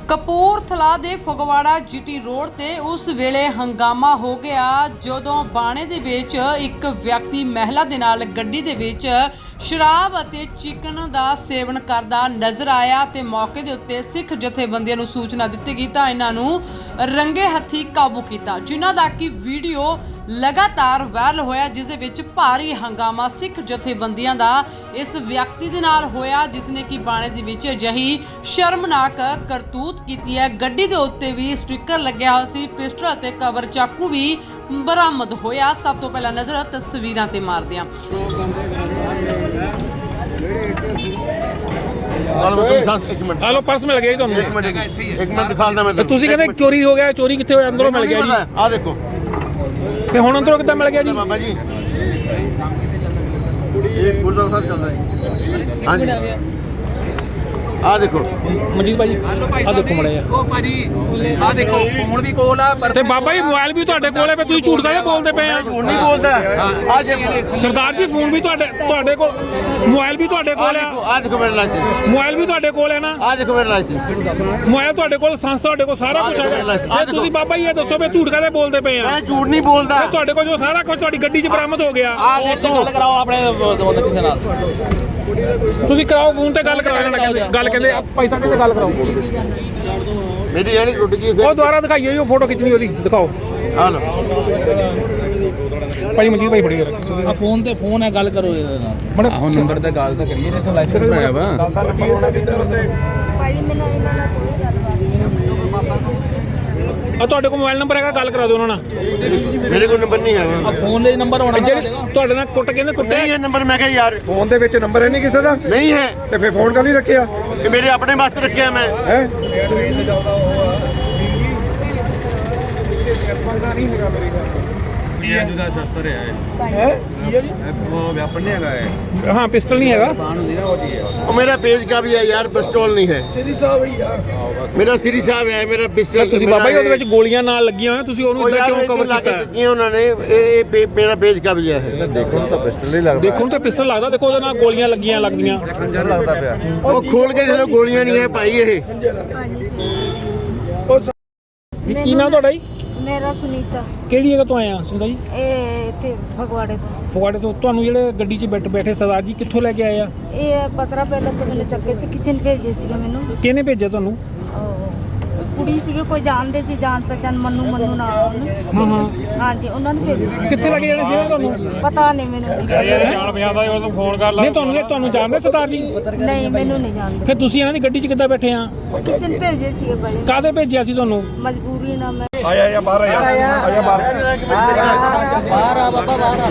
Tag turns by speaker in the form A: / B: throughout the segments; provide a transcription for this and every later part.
A: ਕਪੂਰਥਲਾ ਦੇ Phagwara GT road ਤੇ ਉਸ ਵੇਲੇ ਹੰਗਾਮਾ ਹੋ ਗਿਆ ਜਦੋਂ ਬਾਣੇ ਦੇ ਵਿੱਚ ਇੱਕ ਵਿਅਕਤੀ ਮਹਿਲਾ ਦੇ ਨਾਲ ਗੱਡੀ ਦੇ ਵਿੱਚ ਸ਼ਰਾਬ ਅਤੇ ਚਿਕਨ ਦਾ ਸੇਵਨ ਕਰਦਾ ਨਜ਼ਰ ਆਇਆ ਤੇ ਮੌਕੇ ਦੇ ਉੱਤੇ ਸਿੱਖ ਜਥੇਬੰਦੀਆਂ ਨੂੰ ਸੂਚਨਾ ਦਿੱਤੀ ਗਈ ਤਾਂ ਇਹਨਾਂ ਨੂੰ ਰੰਗੇ ਹੱਥੀ ਕਾਬੂ ਕੀਤਾ, ਜਿਨ੍ਹਾਂ ਦਾ ਕਿ ਵੀਡੀਓ ਲਗਾਤਾਰ ਵਾਇਰਲ ਹੋਇਆ, ਜਿਸ ਦੇ ਵਿੱਚ ਭਾਰੀ ਹੰਗਾਮਾ ਸਿੱਖ ਜਥੇਬੰਦੀਆਂ ਦਾ ਇਸ ਵਿਅਕਤੀ ਦੇ ਨਾਲ ਹੋਇਆ, ਜਿਸ ਨੇ ਕਿ ਬਾਣੇ ਦੇ ਵਿੱਚ ਅਜਿਹੀ ਸ਼ਰਮਨਾਕ ਕਰਤੂਤ ਕੀਤੀ ਹੈ। ਗੱਡੀ ਦੇ ਉੱਤੇ ਵੀ ਸਟicker ਲੱਗਿਆ ਹੋਇਆ ਸੀ, ਪਿਸਟਲ ਅਤੇ ਕਵਰ ਚਾਕੂ ਵੀ ਬਰਾਮਦ ਹੋਇਆ। ਸਭ ਤੋਂ ਪਹਿਲਾਂ ਨਜ਼ਰ ਤਸਵੀਰਾਂ ਤੇ ਮਾਰਦੇ ਹਾਂ।
B: ਹਲੋ ਪਰਸ ਮਿਲ ਗਿਆ ਜੀ ਤੁਹਾਨੂੰ।
C: ਇੱਕ ਮਿੰਟ ਦਿਖਾਉਂਦਾ ਮੈਂ
B: ਤੁਸੀਂ ਕਹਿੰਦੇ ਚੋਰੀ ਹੋ ਗਿਆ, ਚੋਰੀ ਕਿੱਥੇ ਹੋਇਆ? ਅੰਦਰੋਂ ਮਿਲ ਗਿਆ ਜੀ।
C: ਆ ਦੇਖੋ
B: ਤੇ ਹੁਣ ਅੰਦਰੋਂ ਕਿੱਦਾਂ ਮਿਲ ਗਿਆ ਜੀ?
C: ਬਾਬਾ ਜੀ ਇਹ ਗੁਰਦੁਆਰਾ ਸਾਹਿਬ ਚੱਲਦਾ ਜੀ। ਹਾਂਜੀ ਆ ਦੇਖੋ
B: ਮਨਜੀਤ ਭਾਜੀ ਆ ਦੇਖੋ ਮੜਾ ਜਾ।
D: ਉਹ ਭਾਜੀ ਆ ਦੇਖੋ ਫੋਨ ਵੀ ਕੋਲ ਆ ਪਰ
B: ਤੇ ਬਾਬਾ ਜੀ ਮੋਬਾਈਲ ਵੀ ਤੁਹਾਡੇ ਕੋਲ ਹੈ, ਫਿਰ ਤੁਸੀਂ ਝੂਠ ਕਾਹਦੇ ਬੋਲਦੇ ਪਏ ਆ?
C: ਝੂਠ ਨਹੀਂ ਬੋਲਦਾ। ਆ ਜੇ
B: ਸਰਦਾਰ ਜੀ ਫੋਨ ਵੀ ਤੁਹਾਡੇ ਕੋਲ, ਮੋਬਾਈਲ ਵੀ ਤੁਹਾਡੇ ਕੋਲ ਆ।
C: ਆ ਦੇਖੋ ਮੇਰਾ ਲਾਇਸੈਂਸ,
B: ਮੋਬਾਈਲ ਵੀ ਤੁਹਾਡੇ ਕੋਲ ਹੈ ਨਾ?
C: ਆ ਦੇਖੋ ਮੇਰਾ ਲਾਇਸੈਂਸ,
B: ਮੋਬਾਈਲ ਤੁਹਾਡੇ ਕੋਲ, ਸੰਸਥਾ ਤੁਹਾਡੇ ਕੋਲ, ਸਾਰਾ ਕੁਝ ਹੈਗਾ। ਤੇ ਤੁਸੀਂ ਬਾਬਾ ਜੀ ਇਹ ਦੱਸੋ ਵੀ ਝੂਠ ਕਾਹਦੇ ਬੋਲਦੇ ਪਏ ਆ?
C: ਮੈਂ ਝੂਠ ਨਹੀਂ ਬੋਲਦਾ।
B: ਤੁਹਾਡੇ ਕੋਲ ਜੋ ਸਾਰਾ ਕੁਝ ਤੁਹਾਡੀ ਗੱਡੀ 'ਚ ਬਰਾਮਦ ਹੋ ਗਿਆ।
C: ਆ ਦੇਖੋ
D: ਗੱਲ ਕਰਾਓ ਆਪਣੇ ਕਿਸੇ ਨਾਲ।
B: ਤੁਸੀਂ ਕਰਾਓ ਫੋਨ ਤੇ ਗੱਲ ਕਰਾਓ। ਗੱਲ ਕਹਿੰਦੇ ਪੈਸਾ ਕਹਿੰਦੇ ਗੱਲ ਕਰਾਓ।
C: ਮੇਰੀ ਯਾਨੀ ਟੁੱਟ ਗਈ
B: ਉਹ ਦੁਬਾਰਾ ਦਿਖਾਈਓ ਜੀ, ਉਹ ਫੋਟੋ ਖਿੱਚਣੀ ਉਹਦੀ ਦਿਖਾਓ।
C: ਆ ਲੋ
B: ਭਾਈ ਮਨਜੀਤ ਭਾਈ ਫੜੀ ਰੱਖ।
D: ਆ ਫੋਨ ਤੇ ਫੋਨ ਹੈ, ਗੱਲ ਕਰੋ ਇਹਦੇ ਨਾਲ। ਹੁਣ ਨੰਬਰ ਤੇ ਗੱਲ ਤਾਂ ਕਰੀਏ ਜਿੱਥੋਂ ਲਾਇਸੈਂਸ ਬਣਾਇਆ ਵਾ।
E: ਭਾਈ ਮੈਨੂੰ ਇਹਨਾਂ ਨਾਲ ਕੋਈ ਗੱਲਬਾਤ ਨਹੀਂ।
B: ਆ ਤੁਹਾਡੇ ਕੋਲ ਮੋਬਾਈਲ ਨੰਬਰ ਹੈਗਾ, ਗੱਲ ਕਰਾ ਦਿਓ ਉਹਨਾਂ ਨਾਲ।
C: ਮੇਰੇ ਕੋਲ ਨੰਬਰ ਨਹੀਂ ਹੈ।
D: ਫੋਨ ਦੇ ਨੰਬਰ ਹੋਣਾ
B: ਜਿਹੜੇ ਤੁਹਾਡੇ ਨਾਲ ਕਹਿੰਦੇ ਕੁੱਟੇ
C: ਨਹੀਂ ਇਹ ਨੰਬਰ ਮੈਂ ਕਿਹਾ ਯਾਰ
F: ਫੋਨ ਦੇ ਵਿੱਚ ਨੰਬਰ ਹੈ ਨਹੀਂ ਕਿਸੇ ਦਾ,
C: ਨਹੀਂ ਹੈ
F: ਤੇ ਫਿਰ ਫੋਨ ਕਰ ਨਹੀਂ ਰੱਖਿਆ
C: ਇਹ ਮੇਰੇ ਆਪਣੇ ਵਾਸਤੇ ਰੱਖਿਆ ਮੈਂ।
F: ਹੈ
C: ਅੱਜ ਦਾ ਸ਼ਸਤਰ ਹੈ ਉਹ ਵੈਪਨ ਨਹੀਂ ਹੈਗਾ ਹੈ।
B: ਹਾਂ ਪਿਸਟਲ ਨਹੀਂ ਹੈਗਾ।
C: ਉਹ ਮੇਰਾ पेज का भी है यार, पिस्तौल नहीं है। मेरा श्री साहब है, मेरा पिस्टल।
B: ਤੁਸੀਂ ਬਾਬਾ ਜੀ ਉਹਦੇ ਵਿੱਚ ਗੋਲੀਆਂ ਨਾਲ ਲੱਗੀਆਂ ਹੋਈਆਂ, ਤੁਸੀਂ ਉਹਨੂੰ ਇਦਾਂ ਕਿਉਂ ਕਵਰ ਕੀਤਾ?
C: ਦਿੱਤੀਆਂ ਉਹਨਾਂ ਨੇ। ਇਹ ਮੇਰਾ पेज का भी है।
F: ਦੇਖੋ ਤਾਂ ਪਿਸਟਲ ਹੀ ਲੱਗਦਾ।
B: ਦੇਖੋ ਤਾਂ ਪਿਸਟਲ ਲੱਗਦਾ, ਦੇਖੋ ਉਹਦੇ ਨਾਲ ਗੋਲੀਆਂ ਲੱਗਦੀਆਂ।
F: ਖੰਜਰ ਲੱਗਦਾ ਪਿਆ।
C: ਉਹ ਖੋਲ ਕੇ ਜਦੋਂ ਗੋਲੀਆਂ ਨਹੀਂ ਹੈ ਭਾਈ ਇਹ।
B: ਕੀ ਨਾਮ ਤੁਹਾਡਾ ਜੀ?
E: ਮੇਰਾ ਸੁਨੀਤਾ,
B: ਕਿਹੜੀ ਜਗ੍ਹਾ ਤੋਂ ਆਏ ਆ ਸੁੰਦਾ ਜੀ?
E: ਇਹ ਇੱਥੇ ਫਗਵਾੜੇ ਤੋਂ।
B: ਫਗਵਾੜੇ ਤੋਂ। ਤੁਹਾਨੂੰ ਜਿਹੜੇ ਗੱਡੀ 'ਚ ਬੈਠੇ ਸਰਦਾਰ ਜੀ ਕਿੱਥੋਂ ਲੈ ਕੇ ਆਏ ਆ?
E: ਇਹ ਬਸਰਾ ਪਹਿਲਾਂ ਤੋਂ ਮੈਨੂੰ ਚੱਕੇ ਸੀ, ਕਿਸੇ ਨੇ ਭੇਜੇ ਸੀਗੇ ਮੈਨੂੰ।
B: ਕਿਹਨੇ ਭੇਜਿਆ ਤੁਹਾਨੂੰ?
E: ਕੁੜੀ ਸੀਗੀ, ਕੋਈ ਜਾਣਦੇ ਸੀ, ਜਾਣ ਪਹਿਚਾਣ, ਮੰਨੂ ਨਾਮ ਉਹਨੂੰ।
B: ਹਾਂ
E: ਹਾਂਜੀ ਉਹਨਾਂ ਨੇ ਭੇਜੇ ਸੀ।
B: ਕਿੱਥੇ ਲੈ ਕੇ ਜਾਣੇ ਸੀ ਤੁਹਾਨੂੰ?
E: ਪਤਾ ਨਹੀਂ ਮੈਨੂੰ।
B: ਨਹੀਂ ਤੁਹਾਨੂੰ ਜਾਣਦੇ ਸਰਦਾਰ ਜੀ?
E: ਨਹੀਂ ਮੈਨੂੰ ਨਹੀਂ ਜਾਣਦੇ।
B: ਫਿਰ ਤੁਸੀਂ ਇਹਨਾਂ ਦੀ ਗੱਡੀ 'ਚ ਕਿੱਦਾਂ ਬੈਠੇ ਆ?
E: ਕਿਸੇ ਨੇ ਭੇਜੇ ਸੀਗੇ ਭਾਈ,
B: ਕਾਹਦੇ ਭੇਜਿਆ ਸੀ ਤੁਹਾਨੂੰ?
E: ਮਜਬੂਰੀ ਨਾਲ ਮੈਂ।
F: ਆਇਆ ਬਾਹਰ ਆਇਆ ਬਾਹਰ
C: ਆ ਬਾਬਾ ਬਾਹਰ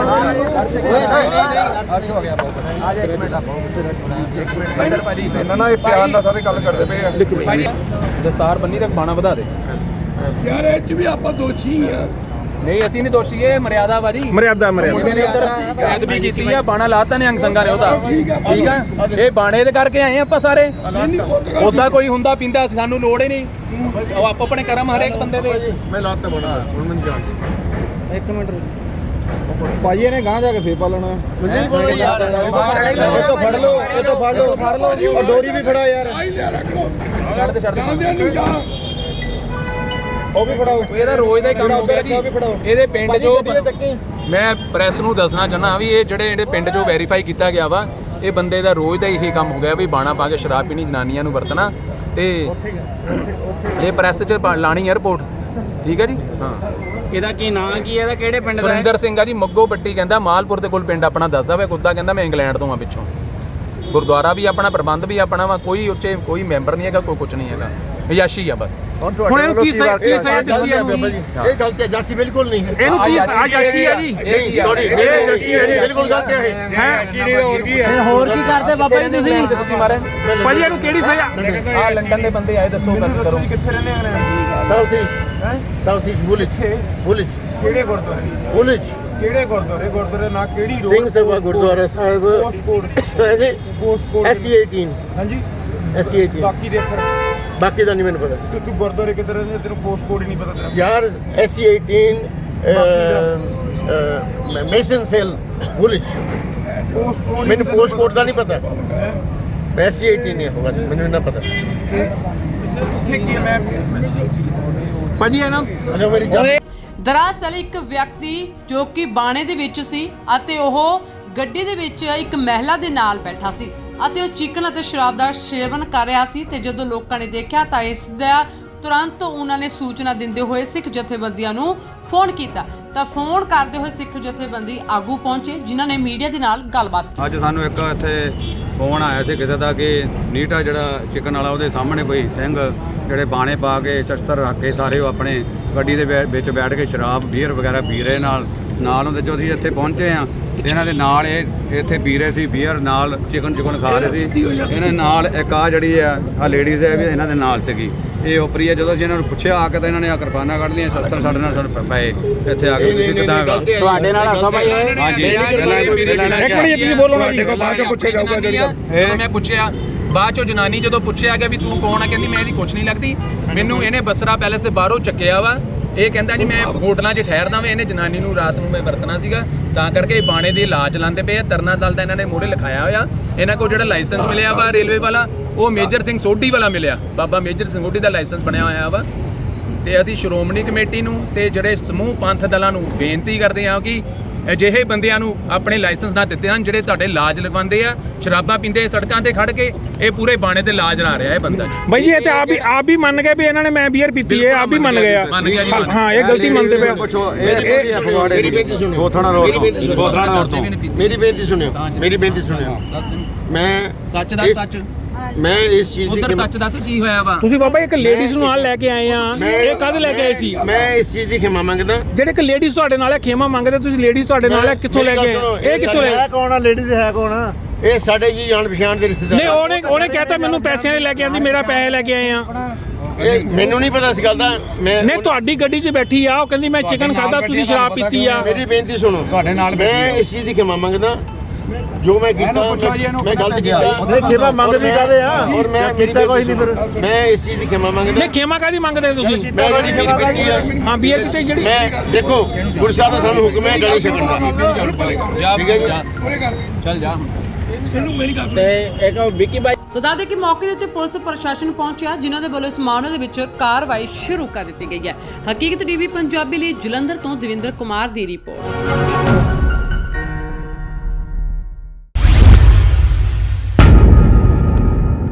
F: ਇਹਨਾਂ ਨਾਲ ਇਹ ਪਿਆਰ ਨਾਲ ਸਾਰੇ ਗੱਲ ਕਰਦੇ ਪਏ ਆ।
D: ਭਾਜੀ ਦਸਤਾਰ ਬੰਨੀ ਤੇ ਬਾਣਾ ਵਧਾ ਦੇ
F: ਯਾਰ ਇਹ ਚ ਵੀ ਆਪਾਂ ਦੋਸ਼ੀ ਆ।
D: ਨਹੀਂ ਅਸੀਂ ਨਹੀਂ ਦੋਸ਼ੀ, ਇਹ ਮਰਿਆਦਾ ਭਾਜੀ।
B: ਮਰਿਆਦਾ
D: ਮੁੰਡੇ ਨੇ ਇੱਧਰ ਬੇਅਦਬੀ ਕੀਤੀ ਆ, ਬਾਣਾ ਲਾਤਾ ਨੇ ਅੰਗ ਸੰਗਾਂ ਨੇ ਉਹਦਾ। ਠੀਕ ਆ, ਇਹ ਬਾਣੇ ਦੇ ਕਰਕੇ ਆਏ ਆਪਾਂ ਸਾਰੇ। ਉਦਾਂ ਕੋਈ ਹੁੰਦਾ ਪੀਂਦਾ, ਸਾਨੂੰ ਲੋੜ ਹੀ ਨਹੀਂ। ਉਹ ਆਪੋ ਆਪਣੇ ਕਰਮ ਹਰੇਕ ਬੰਦੇ ਦੇ।
C: ਮੈਂ ਲਾਤਾ ਬਣਾ ਹੁਣ ਮੈਨੂੰ ਜਾਣ।
D: ਇੱਕ ਮਿੰਟ
F: ਭਾਈ ਇਹਨੇ ਗਾਂ ਜਾ ਕੇ ਫੇਰ ਪਾਲਣਾ।
C: ਨਹੀਂ ਬੋਲੋ ਯਾਰ।
F: ਇਹ ਤੋਂ ਫੜ ਲਓ, ਇਹ ਤੋਂ ਫੜ ਲਓ, ਔਰ ਡੋਰੀ ਵੀ ਫੜਾ ਯਾਰ।
D: ਛੱਡ ਦੇ
F: ਉਹ ਵੀ ਫੜਾਓ।
D: ਇਹਦਾ ਰੋਜ਼ ਦਾ ਹੀ ਕੰਮ ਹੋ ਗਿਆ ਜੀ। ਇਹਦੇ ਪਿੰਡ ਜੋ ਮੈਂ ਪ੍ਰੈਸ ਨੂੰ ਦੱਸਣਾ ਚਾਹੁੰਦਾ ਵੀ ਇਹ ਜਿਹੜੇ ਪਿੰਡ ਜੋ ਵੈਰੀਫਾਈ ਕੀਤਾ ਗਿਆ ਵਾ, ਇਹ ਬੰਦੇ ਦਾ ਰੋਜ਼ ਦਾ ਇਹੀ ਕੰਮ ਹੋ ਗਿਆ ਵੀ ਬਾਣਾ ਪਾ ਕੇ ਸ਼ਰਾਬ ਪੀਣੀ, ਜਨਾਨੀਆਂ ਨੂੰ ਵਰਤਣਾ ਤੇ ਇਹ ਪ੍ਰੈਸ 'ਚ ਲਾਣੀ ਏਅਰਪੋਰਟ। ਠੀਕ ਹੈ ਜੀ। ਹਾਂ
G: ਇਹਦਾ ਕੀ ਨਾਂ ਕੀ ਹੈ? ਇਹਦਾ ਕਿਹੜੇ ਪਿੰਡ ਦਾ?
D: ਸੁਰਿੰਦਰ ਸਿੰਘ ਆ ਜੀ, ਮੱਗੋ ਪੱਟੀ ਕਹਿੰਦਾ, ਮਾਲਪੁਰ ਦੇ ਕੋਲ ਪਿੰਡ ਆਪਣਾ ਦੱਸਦਾ ਵਾ। ਕੁੱਤਾ ਕਹਿੰਦਾ ਮੈਂ ਇੰਗਲੈਂਡ ਤੋਂ ਆ ਪਿੱਛੋਂ। ਗੁਰਦੁਆਰਾ ਵੀ ਆਪਣਾ, ਪ੍ਰਬੰਧ ਵੀ ਆਪਣਾ ਵਾ, ਕੋਈ ਉੱਚੇ ਕੋਈ ਮੈਂਬਰ ਨਹੀਂ ਹੈਗਾ, ਕੋਈ ਕੁਝ ਨਹੀਂ ਹੈਗਾ, ਯਾਸ਼ੀ ਆ ਬਸ।
B: ਹੁਣ ਇਹਨੂੰ ਕੀ ਸਜ਼ਾ ਦਿੱਤੀ ਹੈ?
C: ਇਹ ਗਲਤ ਹੈ, ਜਾਸੀ ਬਿਲਕੁਲ ਨਹੀਂ ਹੈ।
B: ਇਹਨੂੰ ਕੀ ਸਜ਼ਾ ਦਿੱਤੀ ਹੈ ਜੀ?
C: ਬਿਲਕੁਲ ਗਲਤ ਹੈ।
G: ਹੋਰ ਕੀ ਕਰਦੇ ਬਾਬਾ ਜੀ ਤੁਸੀਂ?
D: ਤੁਸੀਂ ਮਾਰੇ
B: ਭਾਜੀ ਇਹਨੂੰ ਕਿਹੜੀ ਸਜ਼ਾ?
D: ਆ ਲੰਡਨ ਦੇ ਬੰਦੇ ਆਏ, ਦੱਸੋ ਗੱਲ ਕਰੋ।
C: ਸਾਊਥ ਈਸਟ ਬੁਲਿਚ
F: ਕਿਹੜੇ ਗੁਰਦੁਆਰੇ?
C: ਬੁਲਿਚ
F: ਕਿਹੜੇ ਗੁਰਦੁਆਰੇ ਨਾ ਕਿਹੜੀ road?
C: Singh Sabha Gurdwara Sahib
F: postcode
C: SC 18। ਹਾਂਜੀ SC 18।
F: ਬਾਕੀ ਦੇ ਅੱਖਰ
C: ਬਾਕੀ ਦਾ ਨਹੀਂ ਮੈਨੂੰ ਪਤਾ।
F: ਤੇ ਤੂੰ ਗੁਰਦੁਆਰੇ ਕਿੱਧਰ ਨੇ, ਤੈਨੂੰ ਪੋਸਟਕੋਡ ਹੀ ਨਹੀਂ ਪਤਾ ਤੇਰਾ?
C: ਯਾਰ SC 18 ਮੇਸਨ ਸੈਲ ਬੁਲਿਚ। ਮੈਨੂੰ ਪੋਸਟਕੋਡ ਦਾ ਨਹੀਂ ਪਤਾ। SC 18 ਹੈ ਬਸ, ਮੈਨੂੰ ਨਾ ਪਤਾ।
B: ਭਾਜੀ ਇਹਨਾਂ
C: अच्छा मेरी जान
A: ਦਰਅਸਲ ਇੱਕ ਵਿਅਕਤੀ ਜੋ ਕਿ ਬਾਣੇ ਦੇ ਵਿੱਚ ਸੀ ਅਤੇ ਉਹ ਗੱਡੀ ਦੇ ਵਿੱਚ ਇੱਕ ਮਹਿਲਾ ਦੇ ਨਾਲ ਬੈਠਾ ਸੀ ਅਤੇ ਉਹ ਚਿਕਨ ਅਤੇ ਸ਼ਰਾਬ ਦਾ ਸੇਵਨ ਕਰ ਰਿਹਾ ਸੀ ਤੇ ਜਦੋਂ ਲੋਕਾਂ ਨੇ ਦੇਖਿਆ ਤਾਂ ਇਸ ਦਾ ਤੁਰੰਤ ਉਹਨਾਂ ਨੇ ਸੂਚਨਾ ਦਿੰਦੇ ਹੋਏ ਸਿੱਖ ਜਥੇਬੰਦੀਆਂ ਨੂੰ ਫੋਨ ਕੀਤਾ ਤਾਂ ਫੋਨ ਕਰਦੇ ਹੋਏ ਸਿੱਖ ਜਥੇਬੰਦੀ ਆਗੂ ਪਹੁੰਚੇ ਜਿਨ੍ਹਾਂ ਨੇ ਮੀਡੀਆ ਦੇ ਨਾਲ ਗੱਲਬਾਤ ਕੀਤੀ।
H: ਅੱਜ ਸਾਨੂੰ ਇੱਕ ਇੱਥੇ ਫੋਨ ਆਇਆ ਸੀ ਕਿਸੇ ਦਾ ਕਿ ਨੀਟਾ ਜਿਹੜਾ ਚਿਕਨ ਵਾਲਾ ਉਹਦੇ ਸਾਹਮਣੇ ਕੋਈ ਸਿੰਘ ਜਿਹੜੇ ਬਾਣੇ ਪਾ ਕੇ ਸ਼ਸਤਰ ਰੱਖ ਕੇ ਸਾਰੇ ਉਹ ਆਪਣੇ ਗੱਡੀ ਦੇ ਵਿੱਚ ਬੈਠ ਕੇ ਸ਼ਰਾਬ ਬੀਅਰ ਵਗੈਰਾ ਪੀ ਰਹੇ ਨਾਲ ਉਹਦੇ ਜੋ ਅਸੀਂ ਇੱਥੇ ਪਹੁੰਚੇ ਆ ਤੇ ਇਹਨਾਂ ਦੇ ਨਾਲ ਇਹ ਇੱਥੇ ਪੀ ਰਹੇ ਸੀ ਬੀਅਰ ਨਾਲ ਚਿਕਨ ਖਾ ਰਹੇ ਸੀ ਇਹਨਾਂ ਨਾਲ ਇੱਕ ਆ ਜਿਹੜੀ ਆ ਲੇਡੀਜ਼ ਹੈ ਵੀ ਇਹਨਾਂ ਦੇ ਨਾਲ ਸੀਗੀ ਇਹ ਉਪਰੀ ਹੈ ਜਦੋਂ ਅਸੀਂ ਇਹਨਾਂ ਨੂੰ ਪੁੱਛਿਆ ਆ ਕੇ ਤਾਂ ਇਹਨਾਂ ਨੇ ਆ ਕਿਰਪਾਨਾਂ ਕੱਢ ਲਈਆਂ ਸ਼ਸਤਰ ਸਾਡੇ ਨਾਲ ਪਏ ਇੱਥੇ ਆ ਕੇ ਤੁਸੀਂ ਕਿੱਦਾਂ ਹੈਗਾ
G: ਤੁਹਾਡੇ ਨਾਲ ਹੱਸਾ ਭਾਈ ਇਹ
H: ਹਾਂਜੀ
B: ਇੱਕ ਮਿੰਟ ਤੁਸੀਂ ਬੋਲੋ ਨਾ ਜੀ
D: ਬਾਅਦ ਚੋਂ ਪੁੱਛਿਆ ਜਾਊਗਾ ਜਦੋਂ ਮੈਂ ਪੁੱਛਿਆ ਬਾਅਦ ਚੋਂ ਜਨਾਨੀ ਜਦੋਂ ਪੁੱਛਿਆ ਕਿ ਵੀ ਤੂੰ ਕੌਣ ਆ ਕਹਿੰਦੀ ਮੈਂ ਇਹਦੀ ਕੁਛ ਨਹੀਂ ਲੱਗਦੀ ਮੈਨੂੰ ਇਹਨੇ ਬਸਰਾ ਪੈਲੇਸ ਦੇ ਬਾਹਰੋਂ ਚੱਕਿਆ ਵਾ ਇਹ ਕਹਿੰਦਾ ਜੀ ਮੈਂ ਹੋਟਲਾਂ 'ਚ ਠਹਿਰਦਾ ਵਾਂ ਇਹਨੇ ਜਨਾਨੀ ਨੂੰ ਰਾਤ ਨੂੰ ਮੈਂ ਵਰਤਣਾ ਸੀਗਾ ਤਾਂ ਕਰਕੇ ਬਾਣੇ ਦੀ ਲਾਜ ਲਾਉਂਦੇ ਪਏ ਆ ਤਰਨਾ ਦਲ ਦਾ ਇਹਨਾਂ ਨੇ ਮੋਹਰੇ ਲਿਖਾਇਆ ਹੋਇਆ ਇਹਨਾਂ ਕੋਲ ਜਿਹੜਾ ਲਾਇਸੈਂਸ ਮਿਲਿਆ ਵਾ ਰੇਲਵੇ ਵਾਲਾ ਉਹ ਮੇਜਰ ਸਿੰਘ ਸੋਢੀ ਵਾਲਾ ਮਿਲਿਆ ਬਾਬਾ ਮੇਜਰ ਸਿੰਘ ਸੋਢੀ ਦਾ ਲਾਇਸੈਂਸ ਬਣਿਆ ਹੋਇਆ ਵਾ ਤੇ ਅਸੀਂ ਸ਼੍ਰੋਮਣੀ ਕਮੇਟੀ ਨੂੰ ਤੇ ਜਿਹੜੇ ਸਮੂਹ ਪੰਥ ਦਲਾਂ ਨੂੰ ਬੇਨਤੀ ਕਰਦੇ ਹਾਂ ਕਿ ਅਜਿਹੇ ਬੰਦਿਆਂ ਨੂੰ ਆਪਣੇ ਲਾਇਸੈਂਸ ਨਾ ਦਿੱਤੇ ਹਨ ਜਿਹੜੇ ਤੁਹਾਡੇ ਲਾਜ ਲਗਵਾਉਂਦੇ ਆ ਸ਼ਰਾਬਾਂ ਪੀਂਦੇ ਸੜਕਾਂ ਤੇ ਖੜ ਕੇ ਇਹ ਪੂਰੇ ਬਾਣੇ ਤੇ ਲਾਜ ਲਾ ਰਿਹਾ ਇਹ ਬੰਦਾ
B: ਭਾਈ ਜੀ ਇਹ ਤੇ ਆਪ ਵੀ ਮੰਨ ਗਏ ਵੀ ਇਹਨਾਂ ਨੇ ਮੈਂ ਬੀਅਰ ਪੀਤੀ ਹੈ ਆਪ ਵੀ ਮੰਨ ਗਏ ਆ
D: ਮੰਨ ਗਿਆ ਜੀ
B: ਹਾਂ ਇਹ ਗਲਤੀ ਮੰਨਦੇ ਪਏ
H: ਪੁੱਛੋ ਇਹ ਫਗਵਾੜੇ
C: मेरी बेनती सुनियो
H: ਗੋਥਾਣਾ ਰੋਡ ਤੋਂ ਗੋਥਾਣਾ ਰੋਡ ਤੋਂ
C: मेरी बेनती सुनियो मेरी बेनती सुनियो मैं
D: ਸੱਚ ਦਾ ਸੱਚ
C: मैं इस चीज
D: ਉਧਰ
C: की
D: ਸੱਚ ਦੱਸ ਕੀ ਹੋਇਆ ਵਾ
B: ਤੁਸੀਂ ਬਾਬਾ ਇੱਕ ਲੇਡੀਜ਼ ਨੂੰ ਨਾਲ ਲੈ ਕੇ ਆਏ ਆ ਇਹ ਕਦ ਲੈ ਕੇ ਆਏ ਸੀ
C: मैं इस चीज की क्षमा मांगदा
B: ਜਿਹੜੇ ਇੱਕ ਲੇਡੀਜ਼ ਤੁਹਾਡੇ ਨਾਲ ਹੈ ਖੇਮਾ ਮੰਗਦੇ ਤੁਸੀਂ ਲੇਡੀਜ਼ ਤੁਹਾਡੇ ਨਾਲ ਹੈ ਕਿੱਥੋਂ ਲੈ ਕੇ ਆਏ ਇਹ ਕਿੱਥੋਂ ਲੈ
F: ਕੌਣ ਆ ਲੇਡੀ ਦੇ ਹੈ ਕੌਣ ਆ
C: ਇਹ ਸਾਡੇ ਜੀ ਜਾਣ ਪਛਾਣ ਦੇ ਰਿਸ਼ਤੇਦਾਰ
B: ਨਹੀਂ ਉਹਨੇ ਕਹਿਤਾ ਮੈਨੂੰ ਪੈਸਿਆਂ ਦੇ ਲੈ ਕੇ ਆਂਦੀ ਮੇਰਾ ਪੈਸੇ ਲੈ ਕੇ ਆਏ ਆ
C: ਇਹ ਮੈਨੂੰ ਨਹੀਂ ਪਤਾ ਇਸ ਗੱਲ ਦਾ ਮੈਂ
B: ਨਹੀਂ ਤੁਹਾਡੀ ਗੱਡੀ 'ਚ ਬੈਠੀ ਆ ਉਹ ਕਹਿੰਦੀ ਮੈਂ ਚਿਕਨ ਖਾਦਾ ਤੁਸੀਂ ਸ਼ਰਾਬ ਪੀਤੀ ਆ
C: ਮੇਰੀ ਬੇਨਤੀ ਸੁਣੋ
H: ਤੁਹਾਡੇ ਨਾਲ
C: ਮੈਂ ਇਸ ਚੀਜ਼ ਦੀ क्षमा ਮੰਗਦਾ ਜੋ ਮੈਂ ਕੀਤਾ ਮੈਂ ਗਲਤ ਕੀਤਾ
F: ਨਹੀਂ ਖੇਮਾ ਮੰਗਦੀ ਕਾਦੇ ਆ
C: ਔਰ ਮੈਂ ਮੇਰੀ
F: ਕੋਈ ਨਹੀਂ ਫਿਰ
C: ਮੈਂ ਇਸ ਚੀਜ਼ ਦੀ क्षमा ਮੰਗਦਾ
B: ਨਹੀਂ ਖੇਮਾ ਕਾਦੀ ਮੰਗਦੇ ਤੁਸੀਂ
C: ਮੈਂ ਜਿਹੜੀ ਮੇਰੀ ਬੇਨਤੀ ਆ
B: ਹਾਂ ਬੀਅਰ ਕਿਤੇ ਜਿਹੜੀ
C: ਮੈਂ ਦੇਖੋ ਗੁਰੂ ਸਾਹਿਬ ਦਾ ਸਾਨੂੰ ਹੁਕਮ ਹੈ ਗਲੇ ਛਕਣ ਦਾ
D: ਜਾ
C: ਠੀਕ ਹੈ ਜੀ
D: ਚੱਲ ਜਾ
G: ਤੇ ਇੱਕ ਵਿੱਕੀ ਬਾਈ
A: ਸੋ ਦੱਸ ਦੇ ਕਿ ਮੌਕੇ ਦੇ ਉੱਤੇ ਪੁਲਿਸ ਪ੍ਰਸ਼ਾਸਨ ਪਹੁੰਚਿਆ ਜਿਨ੍ਹਾਂ ਦੇ ਵੱਲੋਂ ਇਸ ਮਾਮਲੇ ਦੇ ਵਿੱਚ ਕਾਰਵਾਈ ਸ਼ੁਰੂ ਕਰ ਦਿੱਤੀ ਗਈ ਹੈ। ਹਕੀਕਤ ਟੀਵੀ ਪੰਜਾਬੀ ਲਈ ਜਲੰਧਰ ਤੋਂ ਦਵਿੰਦਰ ਕੁਮਾਰ ਦੀ ਰਿਪੋਰਟ।